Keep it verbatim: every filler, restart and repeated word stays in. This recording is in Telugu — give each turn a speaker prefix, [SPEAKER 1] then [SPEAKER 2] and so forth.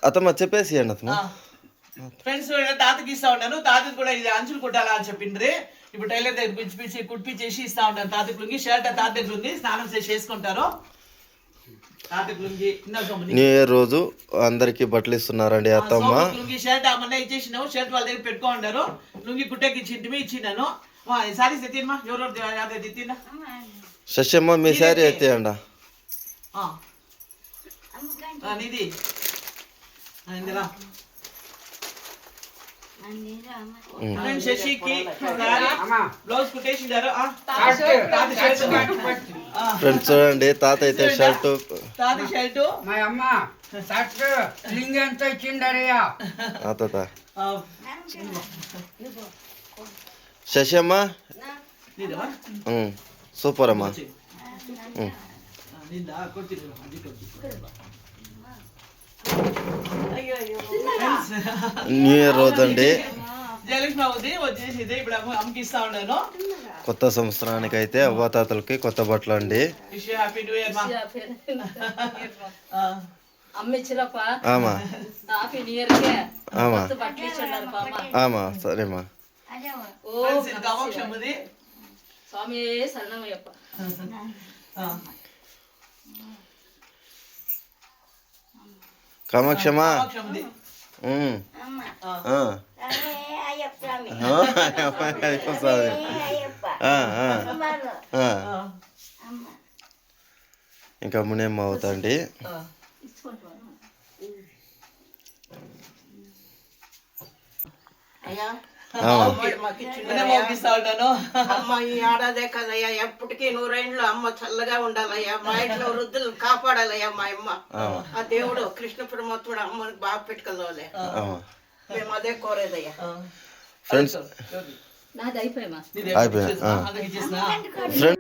[SPEAKER 1] అతమ్మ చెప్పేసి అండి అతమ్మ.
[SPEAKER 2] ఫ్రెండ్స్ తాతకి ఇస్తా ఉంటాను. తాతకి కూడా ఇది అంచులు కుట్టాలా అని చెప్పిండ్రి. ఇప్పుడు టైలర్ దగ్గర పిచ్చి పిచ్చి కుట్టించేసి ఇస్తా ఉంటాను. తాతకి లుంగి షర్ట్ తాత దగ్గర ఉంది, స్నానం చేసి వేసుకుంటారు. తాతకి లుంగి
[SPEAKER 1] న్యూ ఇయర్ రోజు అందరికి బట్టలు ఇస్తున్నారండి అత్తమ్మ.
[SPEAKER 2] లుంగి షర్ట్ మొన్న ఇచ్చేసినావు, షర్ట్ వాళ్ళ దగ్గర పెట్టుకోండారు. లుంగి కుట్టకి ఇచ్చింటివి, ఇచ్చినాను. సారీస్ ఎత్తినమా, ఎవరెవరు ఎత్తినా
[SPEAKER 1] శశమ్మ మీ శారీ ఎత్తేయండి.
[SPEAKER 2] నీది ఇందిరా శశికి బ్లౌజ్ కుట్టేసిండారు.
[SPEAKER 1] ఫ్రెండ్స్ చూడండి, తాత అయితే షర్టు,
[SPEAKER 2] తాత షర్టు,
[SPEAKER 3] మా అమ్మ షర్ట్ లింగ్ ఎంత ఇచ్చిండరయ్యా
[SPEAKER 1] తాత. శశమ్మ సూపర్ అమ్మా. న్యూ ఇయర్ రోజు అండి,
[SPEAKER 2] జయలక్ష్మి అవుతుంది వచ్చేసి ఇప్పుడు అమ్మకి ఇస్తా ఉన్నాను.
[SPEAKER 1] కొత్త సంవత్సరానికి అయితే అవ్వాతాతలకి కొత్త బట్టలు అండి.
[SPEAKER 2] Happy new year.
[SPEAKER 1] ఆమా ఆమా ఆమా సరేమ్మా.
[SPEAKER 4] స్వామి శరణమయ్యప్ప.
[SPEAKER 1] కామాక్షమా ఇంకా మునేమ్మ అవుతాండి.
[SPEAKER 5] అమ్మ ఈ ఆడదే కదయ్యా, ఎప్పటికీ నూరేండ్లు అమ్మ చల్లగా ఉండాలయ్యా. మా ఇంట్లో వృద్ధులు కాపాడాలయ్యా. మా అమ్మ ఆ దేవుడు కృష్ణ పరమాత్ముడు అమ్మని బాగా పెట్టుకోలే. మేము అదే కోరేదయ్యా.
[SPEAKER 1] ఫ్రెండ్స్
[SPEAKER 4] నాది అయిపోయా
[SPEAKER 1] అయిపోయా.